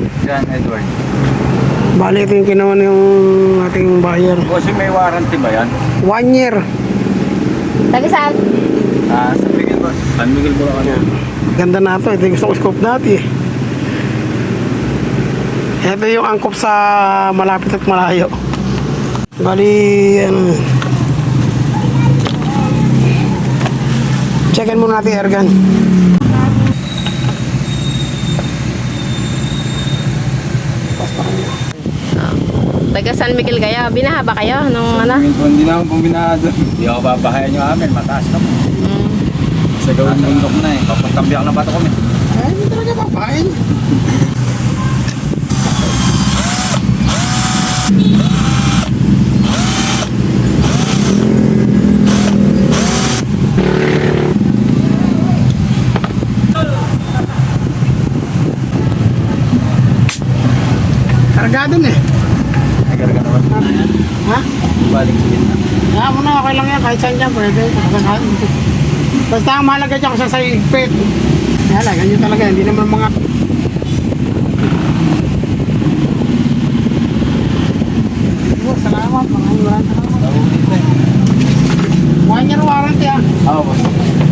John Edward. Bali, ito yung kinuha yung ating buyer. Bossing, may warranty ba yan? 1 year. Taga saan? San Miguel ba? San Miguel Bulacan. Yan. Ganda na ito. Ito yung gusto ko scope dati. Ito yung angkop sa malapit at malayo. Bali, ano. Checkin muna natin air gun. Taga San Miguel kayo. Binaha ba kayo nung ano? Hindi na ako buminado. Hindi ako babahayan yung amin. Mataas na po. Sa gawin bundok na eh. Papatambiyak na bato kami. Ay, hindi talaga papain. Kargado na eh. Nagarga naman. Ha? Balik sa gitna. Kaya mo na, okay lang yan. Kahit saan dyan, pwede. Basta ang mahalaga dyan kung sa igpit. Kaya lang, ganyan talaga. Hindi naman mga... Oh, salamat. Maraming salamat. 1 year warranty ah. Oo, boss.